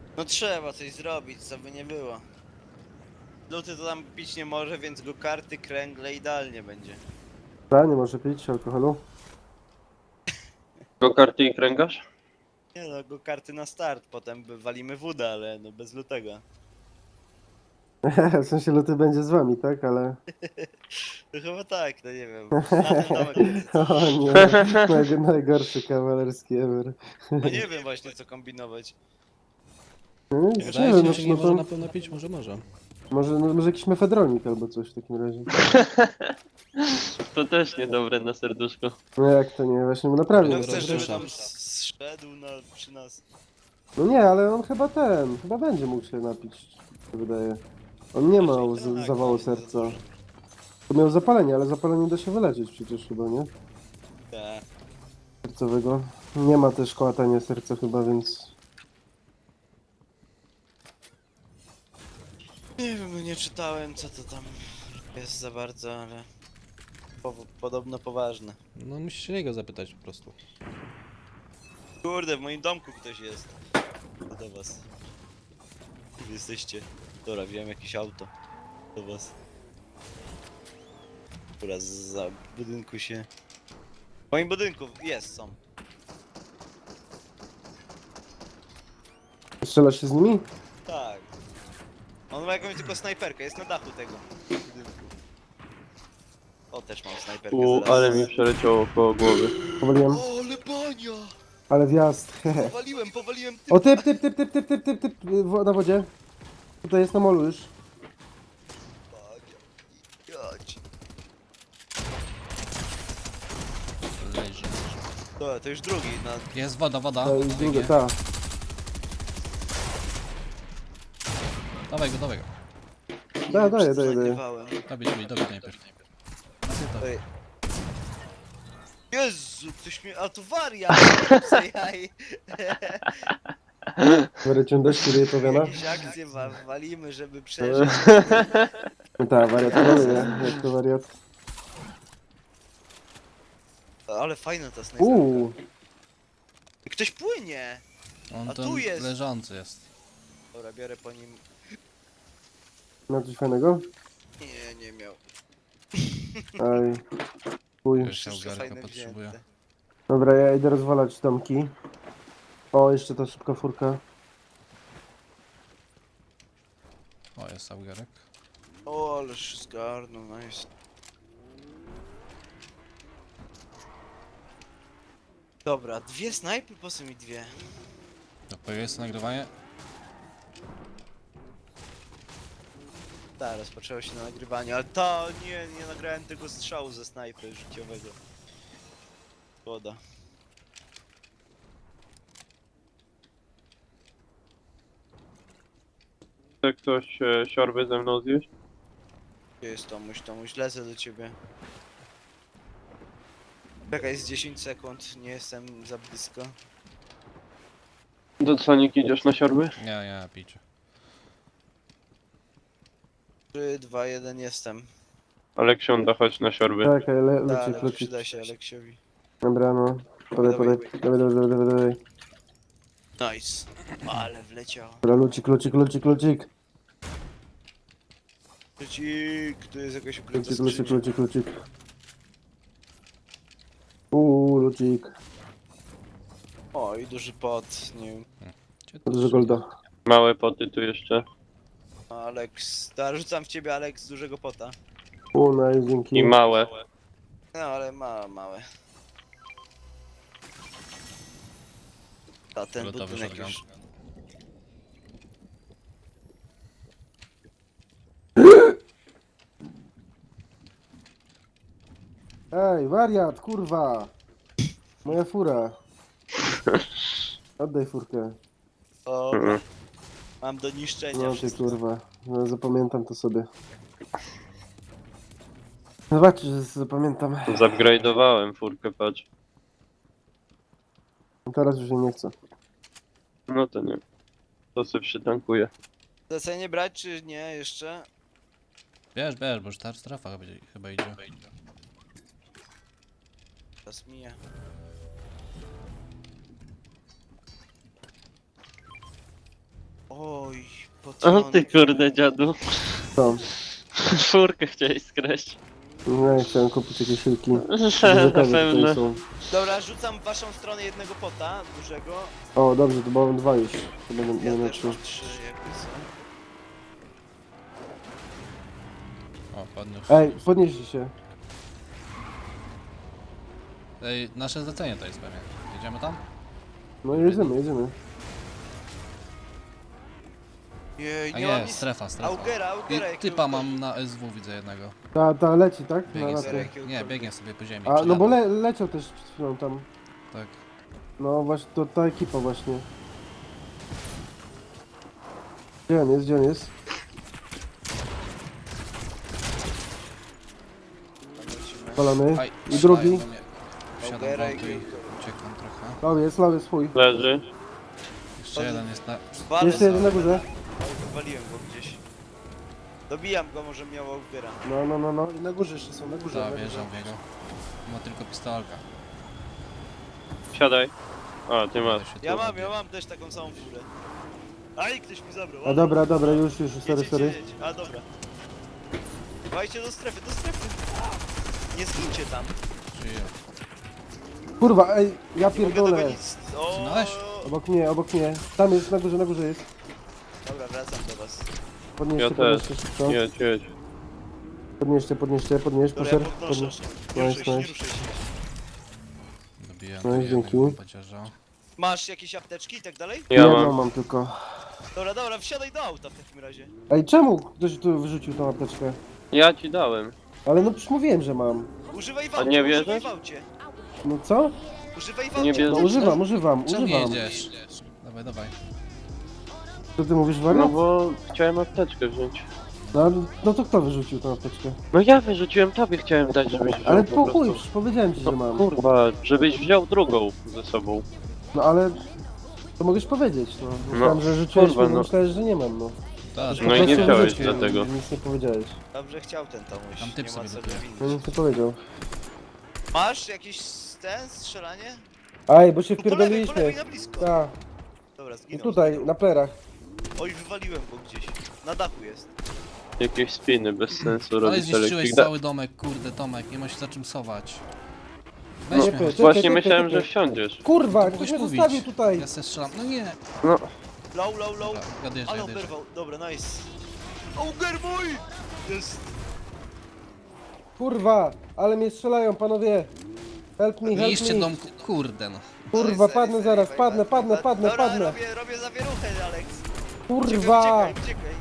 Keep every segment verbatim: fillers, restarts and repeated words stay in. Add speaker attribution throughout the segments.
Speaker 1: No trzeba coś zrobić, co by nie było. Luty to tam pić nie może, więc go karty, kręgle idealnie będzie.
Speaker 2: Ta, nie może pić alkoholu.
Speaker 3: Go karty i kręgarz?
Speaker 1: Nie no, go karty na start, potem by walimy wódę, ale no bez lutego.
Speaker 2: W sensie luty będzie z wami, tak? Ale...
Speaker 1: To chyba tak, no nie wiem. Na ten domek będzie.
Speaker 2: O nie, naj, najgorszy kawalerski ever.
Speaker 1: No nie wiem właśnie co kombinować.
Speaker 2: No, nie,
Speaker 1: Wydaje
Speaker 2: nie
Speaker 4: Wydaje
Speaker 2: wiem,
Speaker 4: się,
Speaker 2: no,
Speaker 4: że nie
Speaker 2: no
Speaker 4: może
Speaker 2: to
Speaker 4: na pewno pić, może może.
Speaker 2: może, no, może jakiś mefedronik albo coś w takim razie.
Speaker 3: To też niedobre na serduszko.
Speaker 2: No jak to nie, właśnie naprawdę.
Speaker 1: No
Speaker 4: Dobra,
Speaker 1: chcesz, żeby
Speaker 4: rozrusza.
Speaker 1: tam zszedł na, przy nas.
Speaker 2: No nie, ale on chyba ten, chyba będzie mógł się napić, się wydaje. On nie ma
Speaker 1: Raczej
Speaker 2: z-
Speaker 1: tak,
Speaker 2: zawału
Speaker 1: no, nie za
Speaker 2: serca.
Speaker 1: dużo.
Speaker 2: To miał zapalenie, ale zapalenie da się wyleczyć przecież chyba, nie?
Speaker 1: Tak.
Speaker 2: Sercowego. Nie ma też kołatania serca chyba, więc...
Speaker 1: Nie wiem, no nie czytałem co to tam jest za bardzo, ale po, podobno poważne.
Speaker 4: No musisz się niego zapytać po prostu.
Speaker 1: Kurde, w moim domku ktoś jest. To do was. Wy jesteście. Dobra, wziąłem jakieś auto. Do was. Która za budynku się... W moim budynku jest, są.
Speaker 2: Strzelasz się z nimi?
Speaker 1: Tak. On ma jakąś tylko snajperkę, jest na dachu tego budynku. O, też mam snajperkę
Speaker 3: U,
Speaker 1: zaraz.
Speaker 3: ale mi przeleciało koło głowy.
Speaker 2: Powaliłem.
Speaker 1: O, ale bania!
Speaker 2: Ale wjazd, hehe.
Speaker 1: Powaliłem, powaliłem typa.
Speaker 2: O typ, typ, typ, typ, typ, typ, typ, typ, w- na wodzie. Tutaj jest na molu już.
Speaker 1: Bania. Jadź.
Speaker 4: Leży.
Speaker 1: To, to już drugi, na...
Speaker 4: Jest woda, woda.
Speaker 2: To jest druga,
Speaker 4: Biegnie.
Speaker 2: ta.
Speaker 4: Dawaj go, dawaj go.
Speaker 2: Da,
Speaker 1: Nie wiem,
Speaker 2: daję,
Speaker 1: czy to
Speaker 2: daję, daję.
Speaker 1: nagrywałem.
Speaker 4: Dobić, dobić, dobić najpierw.
Speaker 1: Ej. Jezu, ktoś mnie... A to wariat! Co jaj.
Speaker 2: Wariacią dość, który je powiana.
Speaker 1: Jakieś akcje wa walimy, żeby przeżyć.
Speaker 2: No tak, wariat maluje, jak to wariat.
Speaker 1: Ale fajna ta snajperka.
Speaker 2: Uuu,
Speaker 1: Ktoś płynie!
Speaker 4: On
Speaker 1: A
Speaker 4: tam
Speaker 1: tu jest.
Speaker 4: leżący jest.
Speaker 1: Dobra, biorę po nim...
Speaker 2: ma coś fajnego?
Speaker 1: Nie, nie miał.
Speaker 2: Aj, chuj.
Speaker 4: Jeszcze
Speaker 1: Wszystko
Speaker 4: ugarka
Speaker 1: fajne
Speaker 4: potrzebuje.
Speaker 1: wzięte.
Speaker 2: Dobra, ja idę rozwalać domki. O, jeszcze ta szybka furka.
Speaker 4: O, jest augarek.
Speaker 1: O, ależ zgarnął, nice. Dobra, dwie snajpy, po co mi dwie?
Speaker 4: To jest nagrywanie?
Speaker 1: Tak, rozpoczęło się na nagrywaniu, ale to nie, nie nagrałem tego strzału ze snajpy życiowego. Szkoda.
Speaker 3: Chce ktoś e, siorby ze mną zjeść?
Speaker 1: Gdzie jest Tomuś? Tomuś, lecę do ciebie. Czekaj, jest dziesięć sekund, nie jestem za blisko.
Speaker 3: Do Sonik idziesz na siorby?
Speaker 4: Nie, nie, pijcie.
Speaker 1: trzy, dwa, jeden, jestem.
Speaker 3: Aleksiąda, chodź na siorby.
Speaker 2: Czekaj, le,
Speaker 1: Tak,
Speaker 2: lucik,
Speaker 1: ale
Speaker 2: lucik.
Speaker 1: przyda się Aleksiowi.
Speaker 2: Dobra, no. Podaj, podaj, dawaj, dawaj, dawaj, dawaj, dawaj.
Speaker 1: Nice. Ale wleciał.
Speaker 2: Dobra, lucik, lucik, lucik, lucik.
Speaker 1: Lucik, tu jest jakaś ukryta
Speaker 2: Lucik, lucik,
Speaker 1: skrzynia.
Speaker 2: lucik, lucik. Uuu, lucik.
Speaker 1: O, i duży pot, nie wiem.
Speaker 4: Gdzie to
Speaker 2: Dużo
Speaker 4: jest?
Speaker 2: golda.
Speaker 3: Małe poty tu jeszcze.
Speaker 1: Alex, da, rzucam w ciebie Alex dużego pota.
Speaker 2: Uuu, nice, dzięki.
Speaker 3: I małe.
Speaker 1: No, ale ma, małe. A ten
Speaker 4: Gotowy
Speaker 1: budynek
Speaker 4: shotgun.
Speaker 1: już...
Speaker 2: Ej, wariat, kurwa! Moja fura. Oddaj furkę.
Speaker 1: O,
Speaker 3: Mhm.
Speaker 1: mam do niszczenia
Speaker 2: No ty
Speaker 1: wszystko.
Speaker 2: kurwa. No, zapamiętam to sobie. Zobaczysz, że zapamiętam.
Speaker 3: Zupgrade'owałem furkę, patrz.
Speaker 2: Teraz już jej nie chcę.
Speaker 3: No to nie. To sobie przytankuję.
Speaker 1: Zlecenie brać czy nie jeszcze?
Speaker 4: Bierz, bierz, bo już ta strefa chyba, chyba idzie.
Speaker 1: Czas mija. Oj,
Speaker 3: O
Speaker 1: potrąd.
Speaker 3: ty kurde dziadu.
Speaker 2: Co?
Speaker 3: Czwórkę chciałeś skraść.
Speaker 2: No ja chciałem kupić jakieś silki.
Speaker 3: Na
Speaker 2: Dużo kawy
Speaker 3: pewno.
Speaker 2: tutaj są.
Speaker 1: Dobra, rzucam w waszą stronę jednego pota, dużego.
Speaker 2: O, dobrze, to mam dwa już. To będę
Speaker 1: Ja
Speaker 2: będę
Speaker 1: też
Speaker 2: trzy.
Speaker 1: mam trzy jakby są.
Speaker 4: O, podniósł.
Speaker 2: Ej, podnieście się.
Speaker 4: Ej, nasze zlecenie to jest pewnie. Jedziemy tam?
Speaker 2: No jedziemy, jedziemy.
Speaker 1: Jej,
Speaker 4: A
Speaker 1: nie mam
Speaker 4: nie,
Speaker 1: nic.
Speaker 4: strefa, strefa.
Speaker 1: Augera, Augera
Speaker 4: I typa mam na S W, widzę jednego.
Speaker 2: Ta, ta leci, tak? Na
Speaker 4: Biegnie
Speaker 2: latę.
Speaker 4: sobie,
Speaker 1: jakiegokolwiek.
Speaker 4: nie, biegnie sobie po ziemi.
Speaker 2: A, no bo
Speaker 4: przyjadą.
Speaker 2: le, leciał też przed chwilą tam.
Speaker 4: Tak.
Speaker 2: No właśnie, to ta ekipa właśnie. Gdzie on jest, gdzie on jest? Palony.
Speaker 4: Aj,
Speaker 2: I drugi.
Speaker 4: strzelają do mnie. Wsiadam w
Speaker 1: Augera
Speaker 4: auto
Speaker 1: i
Speaker 4: i uciekam trochę.
Speaker 2: Lawy jest, lawy jest swój.
Speaker 3: Leży.
Speaker 4: Jeszcze jeden jest na...
Speaker 1: Walę
Speaker 2: Jeszcze jeden na
Speaker 1: sobie.
Speaker 2: górze.
Speaker 1: Oj, wywaliłem go gdzieś. Dobijam go, może miał Augera.
Speaker 2: No, no, no, no. I na górze jeszcze są, na górze.
Speaker 4: Ta,
Speaker 2: na górze.
Speaker 4: wjeżdżam w niego. Ma tylko pistolka.
Speaker 3: Siadaj. A, ty masz.
Speaker 4: Będę się
Speaker 1: Ja
Speaker 4: tu
Speaker 1: mam,
Speaker 4: robił.
Speaker 1: ja mam też taką samą furę. Aj, ktoś mi zabrał.
Speaker 2: A dobra, dobra, już, już, sorry,
Speaker 1: Jedź,
Speaker 2: sorry.
Speaker 1: jedź, jedź. A dobra. Dawajcie do strefy, do strefy. Nie zgincie tam.
Speaker 4: Żyję.
Speaker 2: Kurwa, ej, ja
Speaker 1: Nie mogę
Speaker 2: pierdolę.
Speaker 1: dogonić. O,
Speaker 4: Zginąłeś?
Speaker 2: Obok mnie, obok mnie. Tam jest, na górze, na górze jest.
Speaker 1: Dobra, wracam do was.
Speaker 2: Podnieście,
Speaker 3: Ja też.
Speaker 2: podnieście szybko.
Speaker 3: Jedź, jedź.
Speaker 2: Podnieście, podnieście, podnieś,
Speaker 1: Dobra, ja
Speaker 2: pusher.
Speaker 1: podnoszę.
Speaker 2: Podnieś.
Speaker 1: Nie
Speaker 2: Nice,
Speaker 1: ruszaj się, nie
Speaker 2: nice.
Speaker 1: ruszaj się.
Speaker 4: Dobijam
Speaker 2: No
Speaker 4: no,
Speaker 2: i dzięki.
Speaker 4: pacierza.
Speaker 1: Masz jakieś apteczki i tak dalej?
Speaker 3: Ja
Speaker 2: Jedną
Speaker 3: mam.
Speaker 2: mam tylko.
Speaker 1: Dobra, dobra, wsiadaj do auta w takim razie.
Speaker 2: Ej, czemu ktoś tu wyrzucił tą apteczkę?
Speaker 3: Ja ci dałem.
Speaker 2: Ale no przecież mówiłem, że mam.
Speaker 1: Używaj w
Speaker 3: A
Speaker 1: aucie,
Speaker 3: nie
Speaker 1: używaj
Speaker 3: wierzysz?
Speaker 1: w aucie.
Speaker 2: No co?
Speaker 1: Używaj w
Speaker 3: Nie
Speaker 1: aucie.
Speaker 2: No
Speaker 3: wierzysz?
Speaker 2: używam, używam,
Speaker 4: Czemu nie
Speaker 2: używam.
Speaker 4: jedziesz? Dawaj, dawaj.
Speaker 2: Co ty mówisz,
Speaker 3: No
Speaker 2: wariat?
Speaker 3: bo chciałem apteczkę wziąć.
Speaker 2: No, no to kto wyrzucił tą apteczkę?
Speaker 3: No ja wyrzuciłem, tobie chciałem dać, żebyś wziął
Speaker 2: Ale
Speaker 3: po
Speaker 2: po
Speaker 3: prostu.
Speaker 2: chuj, przecież powiedziałem ci, że
Speaker 3: No
Speaker 2: mam.
Speaker 3: kurwa, żebyś wziął drugą ze sobą.
Speaker 2: No ale... To mogłeś powiedzieć, no. Myślałem, że rzuciłeś,
Speaker 3: kurwa,
Speaker 2: kurwa,
Speaker 3: no.
Speaker 2: myślałeś, że nie mam, no.
Speaker 4: Tak,
Speaker 2: Po
Speaker 3: No i nie
Speaker 2: prostu
Speaker 3: wziąłeś
Speaker 2: wyrzuciłem,
Speaker 3: dlatego.
Speaker 2: Nic nie powiedziałeś.
Speaker 1: Dobrze chciał ten Tomuś.
Speaker 4: Tam typ
Speaker 1: nie ma
Speaker 4: sobie
Speaker 1: co
Speaker 4: gotuje.
Speaker 1: go
Speaker 2: No
Speaker 1: winić.
Speaker 2: nic nie powiedział.
Speaker 1: Masz jakiś ten, strzelanie?
Speaker 2: Aj, bo się
Speaker 1: Tu po lewej, po lewej
Speaker 2: wpierdoliliśmy.
Speaker 1: na blisko.
Speaker 2: Tak.
Speaker 1: Dobra,
Speaker 2: I
Speaker 1: zginął.
Speaker 2: tutaj,
Speaker 1: zginął.
Speaker 2: na plerach.
Speaker 1: Oj, wywaliłem go gdzieś. Na dachu jest.
Speaker 3: Jakieś spiny bez sensu
Speaker 4: ale
Speaker 3: robić
Speaker 4: zniszczyłeś
Speaker 3: elektryk. Da-
Speaker 4: cały domek, kurde Tomek, nie ma się za czym sować.
Speaker 3: No,
Speaker 4: Weź
Speaker 2: Nie,
Speaker 4: mnie.
Speaker 2: to-
Speaker 4: chodź.
Speaker 2: Czekaj,
Speaker 3: właśnie
Speaker 2: czekaj,
Speaker 3: myślałem,
Speaker 2: czekaj.
Speaker 3: że wsiądziesz.
Speaker 2: Kurwa,
Speaker 4: To
Speaker 2: ktoś
Speaker 4: mogłeś
Speaker 2: mnie
Speaker 4: mówić.
Speaker 2: zostawił tutaj.
Speaker 4: Ja se strzelam, no nie.
Speaker 3: No,
Speaker 1: Low, low, low.
Speaker 4: Dobra, odjeżdżaj,
Speaker 1: Ale
Speaker 4: odjeżdżaj.
Speaker 1: oberwał. Dobra, nice. Auger mój! Jest.
Speaker 2: Kurwa, ale mnie strzelają, panowie. Help me, help
Speaker 4: Niszcie
Speaker 2: me.
Speaker 4: dom, kurde no.
Speaker 2: Kurwa,
Speaker 1: Sorry,
Speaker 2: padnę
Speaker 1: sorry,
Speaker 2: zaraz,
Speaker 1: sorry,
Speaker 2: padnę,
Speaker 1: sorry,
Speaker 2: padnę,
Speaker 1: sorry.
Speaker 2: padnę,
Speaker 1: Dobra,
Speaker 2: padnę.
Speaker 1: robię, robię zawieruchę, Alex.
Speaker 2: Kurwa,
Speaker 1: Uciekaj, uciekaj.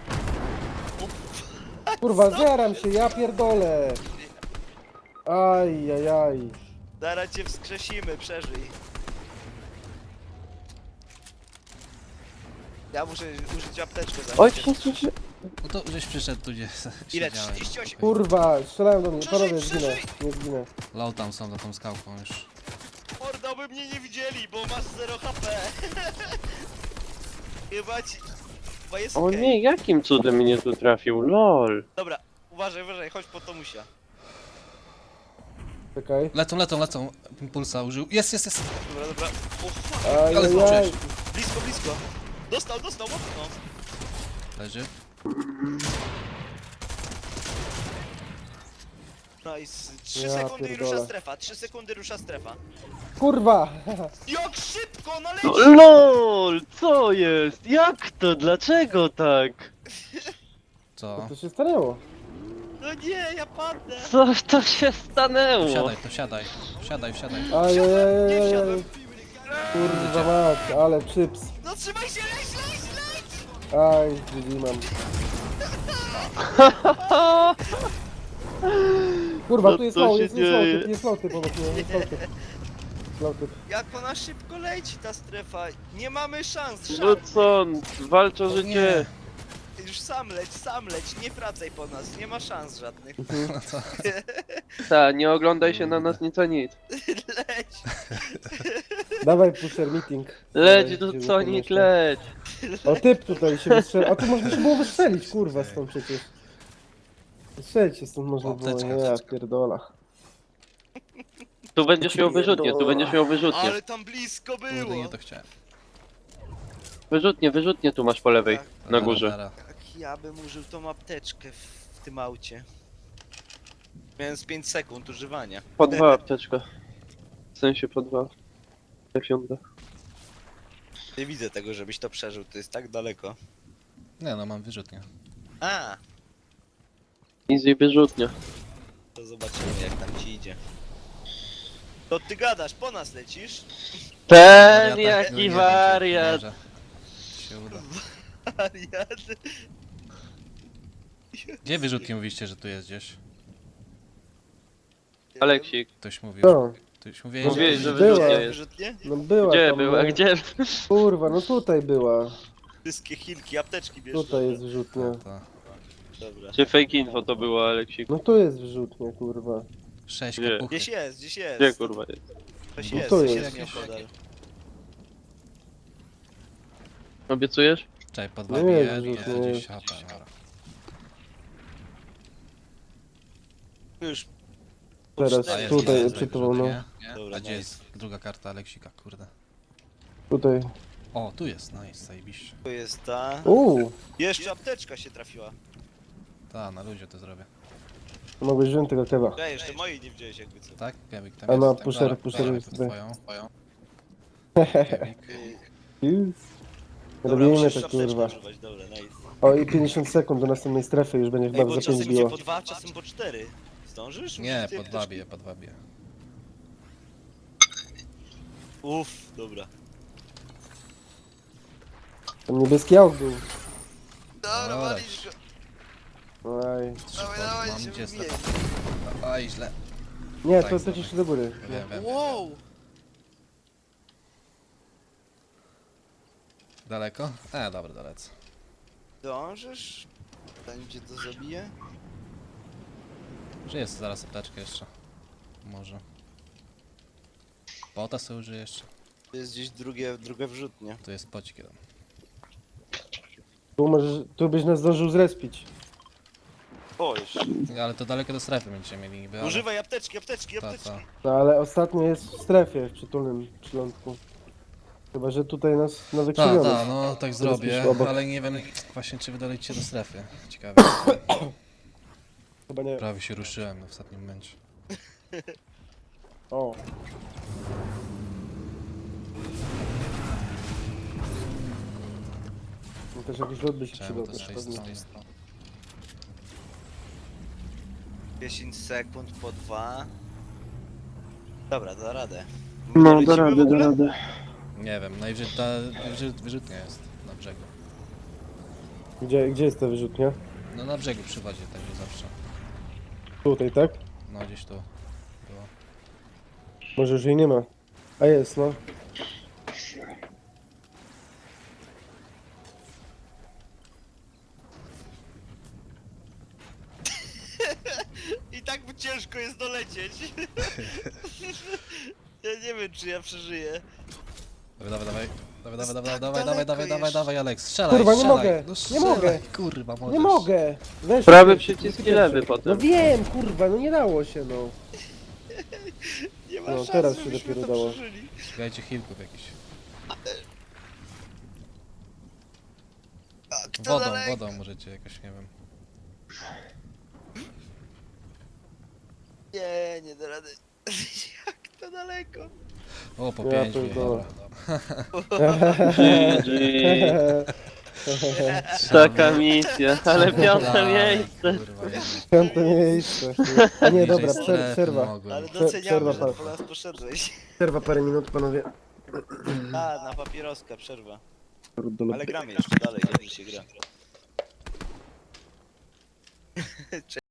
Speaker 2: kurwa, zjaram się, ja pierdolę. Aj, aj, aj.
Speaker 1: Zaraz cię wskrzesimy, przeżyj. Ja muszę użyć apteczkę za
Speaker 3: oj,
Speaker 1: chwilę.
Speaker 3: się, się, się.
Speaker 4: No to żeś przyszedł tu gdzie
Speaker 1: Ile?
Speaker 4: siedziałem.
Speaker 1: trzydzieści osiem.
Speaker 2: Kurwa, strzelają do mnie,
Speaker 1: Przeżyj,
Speaker 2: panowie, zginę,
Speaker 1: przeżyj.
Speaker 2: nie zginę.
Speaker 4: Low tam są za tą skałką już.
Speaker 1: Mordo, by mnie nie widzieli, bo masz zero H P. Chyba ci... Chyba jest
Speaker 3: O
Speaker 1: okej.
Speaker 3: nie, jakim cudem mnie tu trafił, lol.
Speaker 1: Dobra, uważaj, uważaj, chodź po Tomusia.
Speaker 2: Czekaj.
Speaker 4: Lecą, lecą, lecą. Impulsa użył. Jest, jest, jest.
Speaker 1: Dobra, dobra. O, fuck.
Speaker 2: Aj,
Speaker 4: Ale
Speaker 2: aj, aj.
Speaker 4: zobaczyłeś.
Speaker 1: Blisko, blisko. Dostał, dostał, mocno.
Speaker 4: Leży.
Speaker 1: Nice. trzy
Speaker 2: Ja
Speaker 1: sekundy i
Speaker 2: pierdolę.
Speaker 1: rusza strefa, trzy sekundy rusza strefa.
Speaker 2: Kurwa.
Speaker 1: Jak szybko, no leci!
Speaker 3: No, lol, co jest? Jak to? Dlaczego tak?
Speaker 4: Co?
Speaker 2: Co się stanęło?
Speaker 1: No nie, ja padnę.
Speaker 3: Co to się stanęło?
Speaker 4: Wsiadaj, to wsiadaj. Wsiadaj, wsiadaj.
Speaker 2: Aj, aj, aj,
Speaker 1: Nie
Speaker 2: aj, aj.
Speaker 1: wsiadłem.
Speaker 2: Kurwa mać, ale chips.
Speaker 1: No trzymaj się, leć, leć, leć!
Speaker 2: Aj, G G mam. Kurwa,
Speaker 3: Co
Speaker 2: tu jest
Speaker 3: to
Speaker 2: low,
Speaker 3: się
Speaker 2: jest, jest low
Speaker 3: dzieje?
Speaker 2: typ, jest low typ obok mnie, jest low typ. Low typ.
Speaker 1: Jak ona szybko leci, ta strefa. Nie mamy szans,
Speaker 3: No
Speaker 1: żadnych.
Speaker 3: co, walcz o
Speaker 4: O
Speaker 3: życie.
Speaker 1: Już sam leć, sam leć, nie wracaj po nas, nie ma szans żadnych.
Speaker 2: Mhm.
Speaker 3: Ta, nie oglądaj się na nas nic a nic.
Speaker 1: Leć!
Speaker 2: Dawaj pusher meeting.
Speaker 3: Leć
Speaker 2: Dawaj,
Speaker 3: tu
Speaker 2: gdzie
Speaker 3: Sonic,
Speaker 2: wykonać
Speaker 3: leć.
Speaker 2: to. O typ tutaj się wystrzelił. A tu można się było wystrzelić, kurwa, stąd przecież. Wystrzelić się stąd można
Speaker 4: O,
Speaker 2: było,
Speaker 4: apteczka,
Speaker 2: nie, ja
Speaker 4: apteczka.
Speaker 2: pierdola.
Speaker 3: Tu będziesz miał wyrzutnie, tu będziesz miał wyrzutnie.
Speaker 1: Ale tam blisko
Speaker 4: Kurde,
Speaker 1: było!
Speaker 4: nie to chciałem.
Speaker 3: Wyrzutnie, wyrzutnie tu masz po lewej,
Speaker 1: Tak.
Speaker 3: na górze.
Speaker 4: Dara, dara.
Speaker 1: Jak ja bym użył tą apteczkę w, w tym aucie. Miałem z pięć sekund używania.
Speaker 3: Po dwa apteczka. W sensie po dwa. Piąte.
Speaker 1: Nie widzę tego, żebyś to przeżył, to jest tak daleko.
Speaker 4: Nie no, mam wyrzutnię.
Speaker 1: A,
Speaker 3: Easy wyrzutnia.
Speaker 1: to zobaczymy jak tam ci idzie. To ty gadasz, po nas lecisz?
Speaker 3: Ten
Speaker 4: Wariata,
Speaker 3: jaki
Speaker 4: no nie wiem, czy
Speaker 3: wariat!
Speaker 4: może się uda.
Speaker 1: Wariat.
Speaker 4: Gdzie wyrzutnie mówiliście, że tu jest gdzieś?
Speaker 3: Aleksik,
Speaker 4: Ktoś mówił.
Speaker 2: Co?
Speaker 4: Ktoś mówiłeś,
Speaker 3: mówiłeś, że
Speaker 2: Była.
Speaker 3: wyrzutnia jest.
Speaker 1: Wyrzutnie?
Speaker 2: No była
Speaker 3: Gdzie
Speaker 2: tam,
Speaker 3: była,
Speaker 2: no.
Speaker 3: gdzie?
Speaker 2: Kurwa, no tutaj była.
Speaker 1: Wszystkie hilki, apteczki bierz.
Speaker 2: Tutaj
Speaker 1: dobra.
Speaker 2: jest wyrzutnia.
Speaker 4: No to
Speaker 1: Dobra.
Speaker 3: Gdzie fake info to było, Aleksik?
Speaker 2: No tu jest wyrzutnia, kurwa.
Speaker 4: sześć
Speaker 3: Gdzie?
Speaker 4: kapuchy.
Speaker 1: Gdzieś jest, gdzieś jest.
Speaker 3: Gdzie kurwa jest?
Speaker 1: Coś
Speaker 2: No
Speaker 1: jest,
Speaker 2: tu
Speaker 1: coś
Speaker 2: jest.
Speaker 1: jest nieopodal.
Speaker 3: Obiecujesz?
Speaker 4: Czekaj, po dwa
Speaker 2: Nie,
Speaker 4: bije,
Speaker 2: wyrzutnie
Speaker 4: to
Speaker 2: jest.
Speaker 4: gdzieś H P, dobra.
Speaker 1: Już.
Speaker 2: Teraz
Speaker 1: A, jest,
Speaker 2: tutaj
Speaker 1: jest,
Speaker 2: czytował, no.
Speaker 1: Dobra,
Speaker 4: A gdzie
Speaker 1: nice.
Speaker 4: jest druga karta Aleksika, kurde?
Speaker 2: Tutaj.
Speaker 4: O, tu jest, nice, zajebiście.
Speaker 1: To jest ta.
Speaker 2: Uuu,
Speaker 1: Jeszcze apteczka się trafiła.
Speaker 4: Ta, na luzie to zrobię.
Speaker 2: mogłeś wziąć tego kewa.
Speaker 1: Ja jeszcze mojej nie wziąłeś jakby co.
Speaker 4: Tak? Kevik tam
Speaker 2: A no,
Speaker 4: jest. Tak,
Speaker 2: pusher-
Speaker 4: dobra,
Speaker 2: pusher
Speaker 4: dawaj
Speaker 2: jest
Speaker 4: tu
Speaker 2: tutaj.
Speaker 4: twoją. Kevik.
Speaker 1: Yy, Dobra,
Speaker 2: Robimy
Speaker 1: musisz
Speaker 2: to,
Speaker 1: apteczkę
Speaker 2: kurwa.
Speaker 1: używać, dobra, nice.
Speaker 2: O, i pięćdziesiąt sekund do następnej strefy już będzie
Speaker 1: Ej,
Speaker 2: chyba
Speaker 1: bo
Speaker 2: za
Speaker 1: czasem
Speaker 2: pięć
Speaker 1: idzie
Speaker 2: biło.
Speaker 1: po dwa, czasem po cztery. Zdążysz?
Speaker 4: Nie,
Speaker 1: Użyć tej
Speaker 4: po dwa
Speaker 1: apteczki?
Speaker 4: bije, po dwa bije.
Speaker 1: Uff, dobra.
Speaker 2: Tam niebieski aut był.
Speaker 1: Dobra,
Speaker 4: Dobra.
Speaker 1: walisz go.
Speaker 2: Oj.
Speaker 1: Dawaj,
Speaker 4: Mam
Speaker 1: dawaj, się
Speaker 4: gdzie
Speaker 1: wybijaj.
Speaker 4: Oj, źle.
Speaker 2: Nie,
Speaker 4: Tak,
Speaker 2: to
Speaker 4: dawaj.
Speaker 2: lecisz do góry.
Speaker 4: Wiem, wiem.
Speaker 1: Wow!
Speaker 4: Daleko? E, dobra, dalece.
Speaker 1: Dążysz? Zanim cię to zabije?
Speaker 4: Że jest zaraz apteczkę jeszcze. Może. Pota sobie użyję jeszcze.
Speaker 1: To jest gdzieś drugie, drugie wrzutnie.
Speaker 4: Tu jest pocik jeden.
Speaker 2: Tu możesz, tu byś nas zdążył zrespić.
Speaker 1: O, jeszcze.
Speaker 4: Ale to daleko do strefy będziecie mieli niby, ale...
Speaker 1: Używaj apteczki, apteczki,
Speaker 4: Ta,
Speaker 1: apteczki.
Speaker 4: ta.
Speaker 2: No ale ostatnio jest w strefie, w przytulnym przylądku. Chyba, że tutaj nas na
Speaker 4: Ta,
Speaker 2: wykrzywiono.
Speaker 4: ta, no tak zrobię,
Speaker 2: jest obok.
Speaker 4: ale nie wiem właśnie czy wydalicie do strefy. Ciekawe.
Speaker 2: Chyba nie.
Speaker 4: Prawie się ruszyłem w ostatnim momencie.
Speaker 2: O. No też jakiś lot by się
Speaker 4: Czemu
Speaker 2: przydał
Speaker 4: to z
Speaker 2: też
Speaker 4: tej
Speaker 2: pewnie.
Speaker 4: strony?
Speaker 1: dziesięć sekund po dwa. Dobra, da radę.
Speaker 3: No,
Speaker 1: Lecimy
Speaker 3: da
Speaker 1: w
Speaker 3: radę, da
Speaker 1: ogóle?
Speaker 3: radę.
Speaker 4: Nie wiem, najwyżej ta wyrzut, wyrzutnia jest na brzegu.
Speaker 2: Gdzie, gdzie jest ta wyrzutnia?
Speaker 4: No na brzegu przy wodzie, także zawsze.
Speaker 2: Tutaj, tak?
Speaker 4: No gdzieś tu było.
Speaker 2: Może już jej nie ma. A jest, no.
Speaker 1: I tak by ciężko jest dolecieć. Ja nie wiem, czy ja przeżyję.
Speaker 4: Dawaj, dawaj, dawaj. Dawaj, dawaj,
Speaker 1: tak
Speaker 4: dawaj, dawaj, dawaj,
Speaker 1: daleko
Speaker 4: dawaj, dawaj,
Speaker 1: jeszcze.
Speaker 4: dawaj, Alex, strzelaj,
Speaker 2: Kurwa, nie
Speaker 4: strzelaj.
Speaker 2: mogę,
Speaker 4: No
Speaker 2: nie
Speaker 4: strzelaj,
Speaker 2: mogę.
Speaker 4: kurwa, możesz.
Speaker 2: Nie mogę! Weź
Speaker 3: Prawy
Speaker 2: pierwszy,
Speaker 3: przycisk i
Speaker 2: pierwszy.
Speaker 3: lewy
Speaker 2: No
Speaker 3: potem.
Speaker 2: wiem, kurwa, no nie dało się, no.
Speaker 1: Nie ma
Speaker 2: No,
Speaker 1: szans,
Speaker 2: teraz się
Speaker 1: żebyśmy
Speaker 2: dopiero
Speaker 1: to
Speaker 2: dało.
Speaker 1: przeżyli.
Speaker 4: Szukajcie healków jakichś.
Speaker 1: A, kto
Speaker 4: Wodą,
Speaker 1: daleko?
Speaker 4: wodą możecie jakoś, nie wiem.
Speaker 1: Nie, nie da rady. Jak to daleko?
Speaker 4: O, po
Speaker 2: Ja
Speaker 4: pięć bije,
Speaker 2: pierdolę.
Speaker 4: dobra.
Speaker 3: G G. Taka misja, ale piąte
Speaker 4: Daj,
Speaker 3: miejsce.
Speaker 4: kurwa, nie.
Speaker 2: Piąte miejsce. A nie, dobra,
Speaker 4: Bliżej
Speaker 2: przer
Speaker 4: strefy
Speaker 2: przerwa.
Speaker 4: mogłem.
Speaker 1: Ale
Speaker 2: Prze-
Speaker 1: doceniamy,
Speaker 2: przerwa
Speaker 1: że
Speaker 2: pa-
Speaker 1: po nas poszedłeś.
Speaker 2: Przerwa parę minut, panowie.
Speaker 1: A, na papieroska przerwa.
Speaker 2: Kurde,
Speaker 1: Ale gramy jeszcze dalej, dobrze się gra.